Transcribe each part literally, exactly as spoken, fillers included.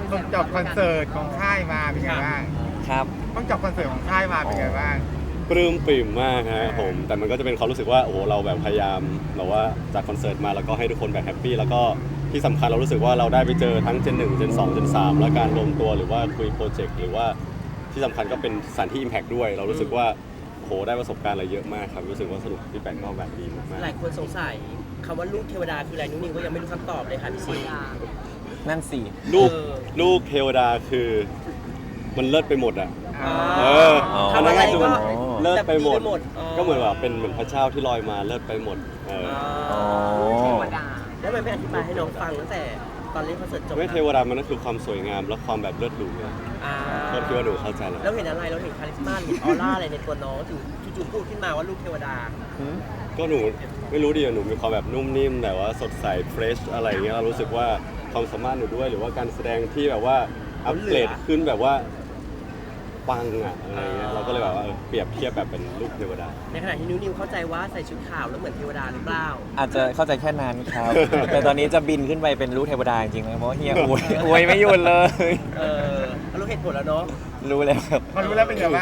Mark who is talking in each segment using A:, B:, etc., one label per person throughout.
A: เพิ่งจบคอนเสิร์ตของค่ายมาเป็นไงบ้าง
B: ครับ
A: เพิ่งจบคอนเสิร์ตของค่ายมาเป็นไงบ้าง
C: ปลื้มปริ่มมากฮะผมแต่มันก็จะเป็นความรู้สึกว่าโอ้โหเราแบบพยายามแบบว่าจากคอนเสิร์ตมาแล้วก็ให้ทุกคนแบบแฮปปี้แล้วก็ที่สำคัญเรารู้สึกว่าเราได้ไปเจอทั้งเจนหนึ่งเจนสองเจนสามและการรวมตัวหรือว่าคุยโปรเจกต์หรือว่าที่สำคัญก็เป็นสถานที่ Impact ด้วย เรารู้สึกว่าโหได้ประสบการณ์อะไรเยอะมากครับรู้สึกว่าสนุกที่แปลกก็แบบดีมากๆ
D: หลายคนสงสัยคำว่าลูกเทวดาคืออะไรนุ้นิวก็ยังไม่รู้คำตอบเลยค่ะพี่ซี
B: นั่นสิ
C: ลูก
D: เออ
C: ลูกเทวดาคือมันเลิศไปหมดอ่ะ
A: อ่า
C: เออ
D: ทำอะไร
C: คือ
D: ก็
C: มันเลิศไปหมด
D: แบบดีอ๋อ
C: ก็เหมือนแบบเป็นเหมือนพระเจ้าที่ลอยมาเลิศไปหมดเออ
D: อ๋อ
B: เทวดา
D: แล้วมันไม่อธิบายให้น้องฟังตั้งแต่ตอนเล่นคอนเสิร์ตจบ
C: ไม่เทวดามันก็คือความสวยงามและความแบบเลิศหรูเนี่ย
D: อ่า
C: ก็คิดว่าหนูเข้าใจแล้ว
D: แล้วเห็นอะไรเราเห็นคาลิสมาเห็นออร่าอะไรในตัวน้องถึงจู่ๆพูดขึ้นมาว่าลูกเทวดา
C: ก็หนูไม่รู้ดิหนูมีความแบบนุ่มนิ่มแต่ว่าสดใสเฟรชอะไรเงี้ยเรารู้สึกว่าความสามารถหนูด้วยหรือว่าการแสดงที่แบบว่าอัปเกรดขึ้นแบบว่าปังอะอะไรเงี้ยเราก็เลยแบบว่าเออเปรียบเทียบแบบเป็นลูกเทวดา
D: ในขณะที่นิวนิวเข้าใจว่าใส่ชุดขาวแล้วเหมือนเทวดาหรือเปล่า
B: อาจจะเข้าใจแค่นั้นครับ แต่ตอนนี้จะบินขึ้นไปเป็นลูกเทวดาจริงๆเลยเพราะเฮียอวยอวยไม่หยุดเลย
D: เออรู้เหตุผลแล้วเนาะ
B: รู้แล้วครับ
A: พอรู้แล้วเป็นไงบ้าง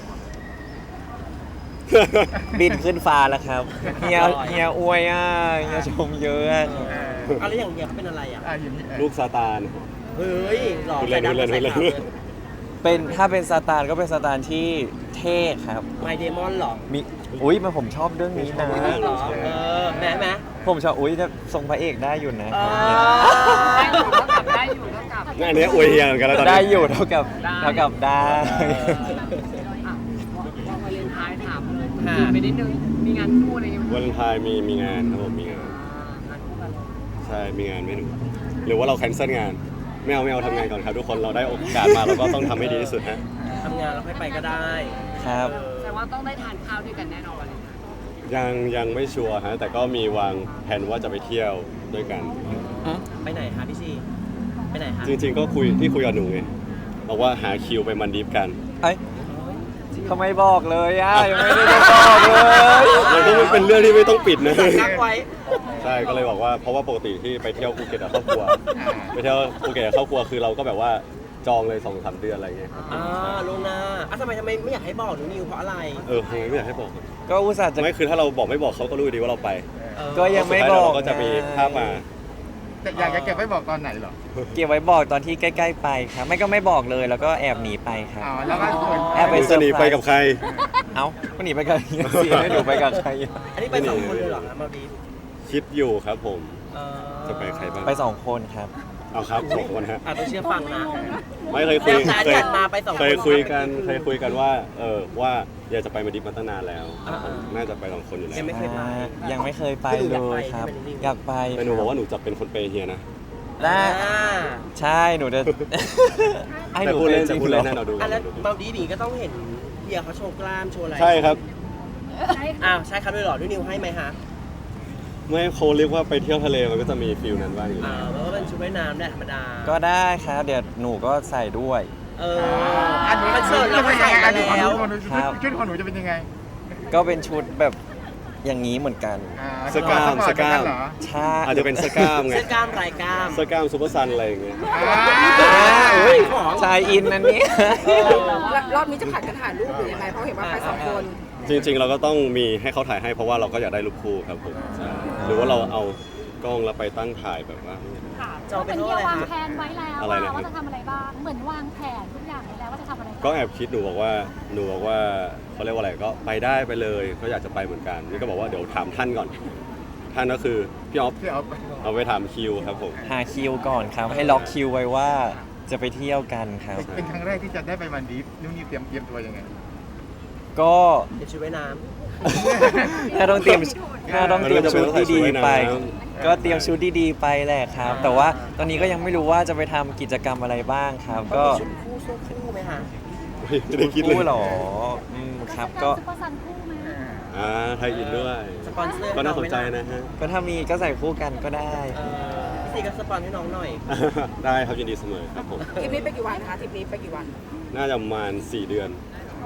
B: บินขึ้นฟ้าแล้วครับเฮียเฮียอวยอ่ะเฮียชมเยอะอะ
A: เออ
D: เอาแล้วอย่างเงี้ยเขาเป็นอะไรอ่ะ
A: อ่ะอย่างนี้เออ
C: ลูกซาตาน
D: เฮ้ยหล่อ
C: พูดเล่
D: ใส่
C: น
D: ดำ
C: พู
D: ใส่
C: ดเล่น
D: ขาว
C: พูด
D: เล
C: เล่
D: ย
C: น
B: เป็นถ้าเป็นซาตานก็เป็นซาตานที่เท่ครับ
D: ไมเดมอนหรอ
B: มีอุ้ยมันผมชอบเรื่องนี้นะ
D: หรอเออแม่แม่
B: ผมชอบอุ้ยแต่ทรงพระเอกได้อยู่นะ
D: เอ
B: ครับ
D: อ
E: ได้อยู่เท่ากับได้อยู่เท่ากับ
C: งานนี้อวยเฮียเหมือนกันแล้วตอนนี้
B: ได้อยู่เท่ากับเท่ากับได้
E: อ่ะววาเลนไทน์ถามเลยจีบไปนิดนึงมีงานคู่อะไรอย่างเงี้ย
C: วันเลนไทน์มีมีงานครับผมมีงาน
E: งานคู่กันเลย
C: ใช่มีงานไม่หนูหรือว่าเราแคนเซิลงานไม่เอาไม่เอาทำงานก่อนครับทุกคนเราได้โอกาสมาเราก็ต้องทำให้ดีที่สุดฮะ
D: ทำงานแล้วค่อยไปก็ได้
B: ครับ
D: เออ
E: แต่ว่าต้องได้ทานข้าวด้วยกันแน่นอน
C: ยังยังไม่ชัวร์ฮะแต่ก็มีวางแผนว่าจะไปเที่ยวด้วยกัน
D: ไปไหนคะพี่ซีไปไหนคะ
C: จริง ๆ ก็คุยที่คุยกับหนูไงบอกว่าหาคิวไปมันดีฟกัน
B: เอ้ยทำไมบอกเลยอ่ะยังไม่ได้บอกเลย
C: มันก็เป็นเรื่องที่ไม่ต้องปิดนะ
D: กักไว้
C: ใช่ก็เลยบอกว่าเพราะว่าปกติที่ไปเที่ยวภูเก็ตกับครอบครัว
A: อ่า
C: ไปเที่ยวภูเก็ตกับครอบครัวคือเราก็แบบว่าจองเลยสองสามเดือนอะไรเงี้ยครับ
D: อ่าลวงหน้าอ่ะทำไมทำไมไม่อยากให้บอกหนูนิวเพราะอะไร
C: เออไม่อยากให้บอก
B: ก็อุตส่าห์จะ
C: ไม่คือถ้าเราบอกไม่บอกเขาก็รู้ดีว่าเราไป
D: เออ
B: ก็ยังไม่
C: สุดท้า
B: บ
C: เรา
B: อก
C: ก็จะมีภาพมา
A: แต่อยากจะเก็บไว้บอกตอนไหนเหรอ
B: เก็บไว้บอกตอนที่ใกล้ๆไปครับ ไม่ก็ไม่บอกเลยแล้วก็แอบหนีไปครับ
A: อ๋อแล้วก็ส่วน
B: แอบ
C: ห
B: ไป
C: นูจะหนีไปกับใคร
B: เอ้าก็หนีไปกับเฮียสิให้หนูไปกับใครอ่ะ
D: อันนี้ไปสองคนเลยเหรอคะมาดีฟ
C: คิดอยู่ครับผม
D: เออ
C: จะไปใครบ้าง
B: ไปสองคนครับ
C: เอาครับสองคนฮะ
D: อ่ะต้องเชื่อฟังนะ
C: ไม่เคยคุย
D: แล้วแต่
C: เคย
D: จัดมาไปสองคน
C: เคยคุยกันเคยคุยกันว่าเออว่าอยากจะไปมาดิฟมาตั้งนานแล้ว
D: อ่าๆ
C: น่าจะไปสองคนอยู่แล้ว
D: ยังไม่เคยไป
B: ยังไม่เคยไป
D: คือหนู
B: เล
D: อยากไป
B: ยครับ
D: ใช่ไหม
B: อยากไป
C: แต่หนูบอกว่าหนูจะเป็นคนเปย์เฮียนะ
B: ได้
D: อ่า
B: ใช่หนูจะ ให้ห
C: แต่
B: นู
C: พูด
B: เป็
C: เล่
B: น
C: น
B: จริ
C: จะ
B: ง
C: พูด
B: เหร
C: เล่
B: อน
C: ให้เราดูกั
D: อัน
C: น
D: แล้วมาดีฟนี่ก็ต้องเห็นเฮียเขาโชว์กล้ามโชว์อะไร
C: ใช่ครับ
D: อ้าวใช่ครับด้วยเหรอด้วยนิวให้ไหมฮะ
C: ไม่เขาเรียกว่าไปเที่ยวทะเลมันก็จะมีฟิลนั้นบ้างอยู่
D: อ่า
C: แล้ว
D: มันก็เป็นชุดว่ายน้ำได้ธรรมดา
B: ก็ได้ครับเดี๋ยวหนูก็ใส่ด้วย
D: เออ
A: อันนี้
D: คอนเสิร์ตเราก็ใส่
A: อั
D: มาน
A: นี้ของห
D: แล้
A: นู
D: ว
A: ของหนู
B: ครับ
A: ชุดของหนูจะเป็นยังไง
B: ก็เป็นชุดแบบอย่างนี้เหมือนกัน
A: อ่า
C: สกามสกาม
A: เหรอ
B: ใช่
C: อาจจะเป็นสกามไง
D: เสื้อกล้ามลายกล้าม
C: สกามซูเปอร์ซันอะไรอย่างเงี้ย
A: อ่า
B: อ่าอุ้ย
D: ของ
B: ชายอินอันนี้
D: เออ
E: รอบนี้จะผัดกันถ่ายรูปหรือยังไงเพราะเห็นว่าไปสองคน
C: จริง ๆ เราก็ต้องมีให้เขาถ่ายให้เพราะว่าเราก็อยากได้รูปคู่ครับผมใช่หรือว่าเราเอากล้องแล้วไปตั้งถ่ายแบบว่า
D: จอง
F: เห
D: เป็
F: มื
D: น
F: อน
D: เท่า
F: เฮี
D: ไห
F: ย
D: ร่
F: วาง
D: คะ
F: แผนไว้แล้ว
C: อะไร
F: ว่า
C: นะครับ
F: ว่าจะทำอะไรบ้าง เหมือนวางแผนทุกอย่างไว้แล้วว่าจะทำอะไรบ้าง
C: ก็แอบคิดหนูบอกว่าหนูบอกว่าเขาเรียกว่าอะไรก็ไปได้ไปเลยก็อยากจะไปเหมือนกันนี่ก็บอกว่าเดี๋ยวถามท่านก่อน ท่านก็คือพี่ออฟ
A: พี่เอา
C: เอาไปถามคิวครับผม
B: หาคิวก่อนครับ ให้ล็อกคิวไว้ว่าจะไปเที่ยวกันครับ
A: เป็นครั้งแรกที่จะได้ไปมันดีฟนุ่นนี่เตรียมเตรียมตัวยังไง
B: ก็
D: เป็นชุดว่ายน้
B: ถ้าต้องเตรียมถ้าต้องเตรียมชุดดีๆไป ก็เตรียมชุดดีๆไปแหละครับ แต่ว่าตอนนี้ก็ยังไม่รู้ว่าจะไปทำกิจกรรมอะไรบ้างครับ
D: ำ
B: ก็
D: ชุดคู่สู้คู่ไหมคะ
C: ไม่ได้คิดเลย
B: คู่หรออืมครับก็
F: ซุปเปอร์ซันคู่ไหม
C: อ่าไทยอินด้วย
D: สปอนเซอร์
C: ก็น่าสนใจ
D: ให้องไหมล่
C: นะฮะ
B: ก็ถ้ามีก็ใส่คู่กันก็ได้
D: เออพี่ซีก็สปอนให้น้องหน่อย
C: ได้ครับยินดีเสมอครับผม
E: ทริปนี้ไปกี่วันนะคะทริปนี้ไปกี่วัน
C: น่าจะประมาณสี่เดือน
F: โอ้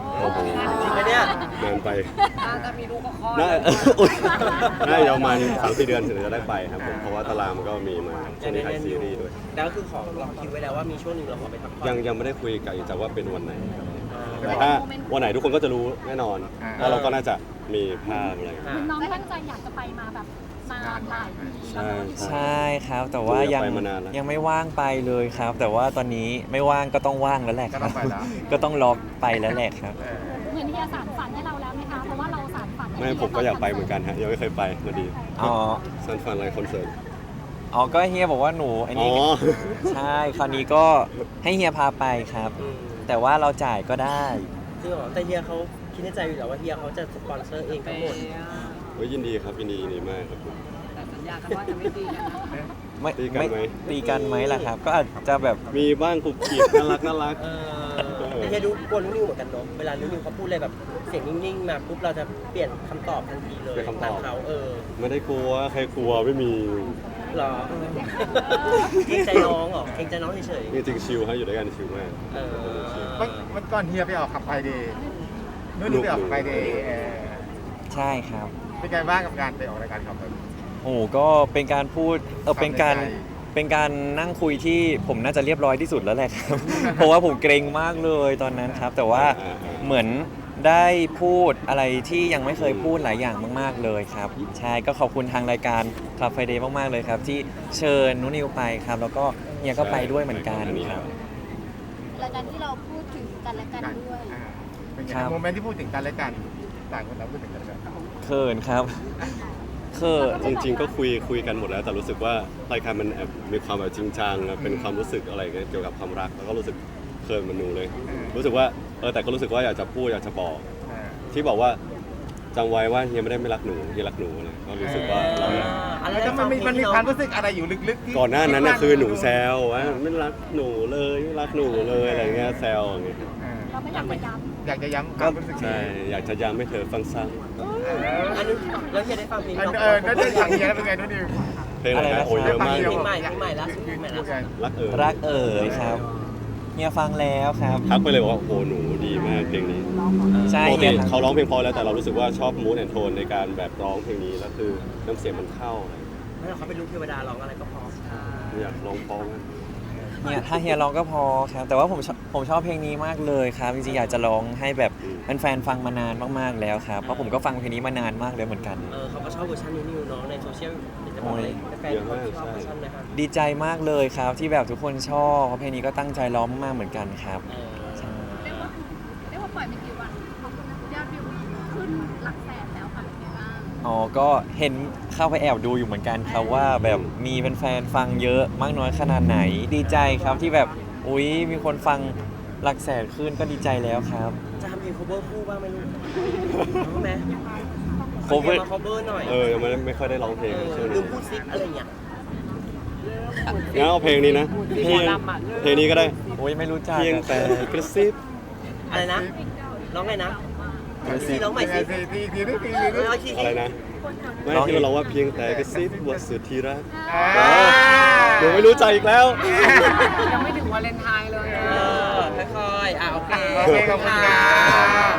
C: โอ้โห
D: จริงไหมเนี่ย
C: นานไป
E: น่าจะมีลูกก็คลอด
C: น่า
E: แล้ว
C: อุ๊ยน่าจะประมาณสามสี่เดือนถึงจะได้ไปครับผมเพราะว่าตารางมันก็มีมาช่วงนี้ถ่ายซีรีส์ด้วย
D: แล้วก็คือขอล็อกคิวไว้แล้วว่ามีช่วงหนึ่งเราขอไปพักผ่อน
C: ยังยังไม่ได้คุยกับอีกจากว่าเป็นวันไหนครับ
D: อ่า
C: แต่ถ้าวันไหนทุกคนก็จะรู้แน่นอนว่าเราก็น่าจะมีภาพอะไร
D: อ่า
F: เหมือนน้องตั้งใจอยากจะไปมาแบบนานหลายปี
C: ใช่ใช่
B: ใช่ครับ แต่ว่ายัง
C: อยากไปมานานแล้ว
B: ยังไม่ว่างไปเลยครับ แต่ว่าตอนนี้ไม่ว่างก็ต้องว่างแล้วแหละค
A: ก็
B: รั
A: ต้อบ งไปแล้ว
B: ก็ต้องรอไปแล้วแหละครับ
A: เออ
F: เหมือนที่จะสานฝันให้เราแล้วไหมคะ เพราะว่าเราสานฝันให้
C: ไม่ผมก็อยากไปเหมือนกันฮะยังไม่เคยไปมาดี
B: อ๋อ
C: ซันฟันอะไรคอนเสิร์ต
B: อ๋อก็เฮียบอกว่าหนูอัน
C: อ๋อ
B: นี้ใช่คราวนี้ก็ให้เฮียพาไปครับ
D: อืม
B: แต่ว่าเราจ่ายก็ได้
D: จริงเหรอแต่เฮียเขาคิดในใจอยู่แล้วว่าเฮียเขาจะสปอนเซอร์เอง
E: ไป
D: ทั้งหมด
C: เฮ้ยยินดีครับยินดียินดีมากครับผม
E: แต่สัญญากันว่าจะไม่ตีกันนะ
B: ไม่
C: ตีกันไหม
B: ตีกันไหมล่ะครับ ก็อาจจะแบบ
C: มีบ้างกุบกิบน่ารักน่ารัก
D: เออแต่เฮียดูกลัวนุ่นนิวเหมือนกันเนาะเวลานุ่นนิวเขาพูดอะไรแบบเสียงนิ่งๆมาปุ๊บเราจะเปลี่ยนคำตอบทันทีเลย
C: เปลี่ยนคำตอบ
D: ตามเขาเออ
C: ไม่ได้กลัวใครกลัวไม่มี
D: หรอเกรงใจน้องเหรอเกรงใจน้องเฉย
C: จริงๆชิลฮะอยู่ด้วยกันชิลมาก
D: ๆเออ
A: วันวันก่อนเฮียไปออกขับไฟเดย์นู่นนี่ไปออกขับไฟเดย์เออ
B: ใช่ครับ
A: เป็นไงบ้างกับการไปออกรายการขับไฟ
B: โอ้โหก็เป็นการพูดเออเป็นการ
A: ความในใจ
B: เป็นการนั่งคุยที่ผมน่าจะเรียบร้อยที่สุดแล้วแหละครับ เพราะว่าผมเกรงมากเลยตอนนั้นครับ แต่ว่า
C: อ่าๆ
B: เหมือนได้พูดอะไรที่ยังไม่เคยพูดหลายอย่างมาก ๆเลยครับใช่ก็ขอบคุณทางรายการ Club Friday มากๆเลยครับ ที่เชิญนุนิวไปครับ แล้วก็เฮียก็ไปด้วยเหมือนกันครับ
F: รายการที่เราพูดถึงกันและกันด้วย
A: อ่าเป็นไง
B: ครับ
A: โมเมนต์ที่พูดถึงกันและกันต่างคนต่างพูดถึงกันและกัน
B: เขินครับเขิน
C: จริงๆก็คุยคุยกันหมดแล้ว แต่รู้สึกว่ารายการมันแอบมีความแบบจริงจังอะเป็นความรู้สึกอะไรเงี้ยเกี่ยวกับความรักแล้วก็รู้สึกเคินเหมันหนูเลย รู้สึกว่าเออแต่ก็รู้สึกว่าอยากจะพูดอยากจะบอก
A: อ่า
C: ที่บอกว่าจำไว้ว่าเฮียไม่ได้ไม่รักหนูเฮียรักหนูเลยก็รู้สึกว่าเราอยาก
D: อะไร
A: แล้วมันมีมันมีความรู้สึกอะไรอยู่ลึกๆที่
C: ก่อนหน้านั้นน่ะคือหนูแซวว่าไม่รักหนูเลยไม่รักหนูเลยอะไรเงี้ยแซวอย่างเงี้ย
A: อ่า
F: เราไม่อยากไปย้
A: อยากจะย้ำความรู้สึก
C: ใช่อยากจะย้ำให้เธอฟังซ้ำ
A: เออ
D: อันนี้แล้วเฮียได้ฟังเพลง
A: อัน
D: เรา
A: เออนั่นได้อย่างเฮียแล้วเป็นไงนู่นนี่
C: เพลงอะไรนะโอ้ยเยอะมาก
D: เพลงใหม่เพลงใหม่ล่าสุดเพลงใหม่ล่าสุด
C: รักเออ
B: รักเอ๋ยครับเฮียฟังแล้วครับ
C: ทักไปเลยบอกว่าโอ้หนูดีมากเพลงนี้
B: ใช่
C: ปก
B: เฮี
C: ติ
B: ยทัก
C: เขาร้องเพลงเพอแล้วแต่เรารู้สึกว่าชอบมูดแอนโทนในการแบบร้องเพลงนี้แล้วคือน้ำเสียงมันเข้าอะไร
D: ไม่เราเขาเป็นลูกเทวดาร้องอะไรก็พอ
C: อยากร้องเพอมาก
B: เนี่ยถ้าเฮียร้องก็พอครับ แต่ว่าผมชอบผมชอบเพลงนี้มากเลยครับจริงๆอยากจะร้องให้แบบแฟนๆฟังมานานมากๆแล้วครับเพราะผมก็ฟังเพลงนี้มานานมากแล้วเหมือนกัน
D: เออเขาก็ชอบเวอร์ชันนิวนิวน้องในโซเชียลเดี๋ยวจะบอกเลยแฟนๆเขาชอบเวอร์ชันนะครับ
B: ดีใจมากเลยครับที่แบบทุกคนชอบเพราะเพลงนี้ก็ตั้งใจร้องมากๆเหมือนกันครับ
D: เออ
F: ำเรียกว่าเรียกว่าปล่อยไปกี่วันยอดวิวขึ้นหลักแสนแล้วค่ะเป็นไงบ้าง
B: อ๋อก็เห็นเข้าไปแอบดูอยู่เหมือนกันครับว่าแบบมีแฟนๆฟังเยอะมากน้อยขนาดไหน ดีใจครับที่แบบอุ๊ยมีคนฟังหลักแสนขึ้นก็ดีใจแล้วครับ
D: จะทำเพลง cover คู่บ้างไหมลูกรู้ไหม
B: cover
D: มา cover หน่อย
C: เออยังไม่ได้ไม่ค่อยได้ร้องเพลง
D: เออ
C: ช่วง
D: ลื
C: นี้
D: มพูดซิปอะไรอย่างเงี้ย
C: งั้นเอาเพลงนี้นะเพลงเพลงนี้ก็ได้
B: โอ้ยไม่รู้จัก
C: เพียงแต่กระซิบ
D: อะไรนะร้องไงนะ
C: กระซิ
D: ซี
C: บ
D: ร้องใหม่
A: เป็นไง
D: สิ
A: สิทีทีนึงทีนึง
D: เอาที
C: อะไรนะไม่ที่เราร้องว่าเพียงแต่กระซิบว่าสุดที่รัก
A: อ่า
C: หนูไม่รู้ใจอีกแล้ว
E: ยังไม่ถึงวาเลนไทน์เลย
D: เออค่อยๆอ่ะโอเค
A: โอเคขอบคุณครับ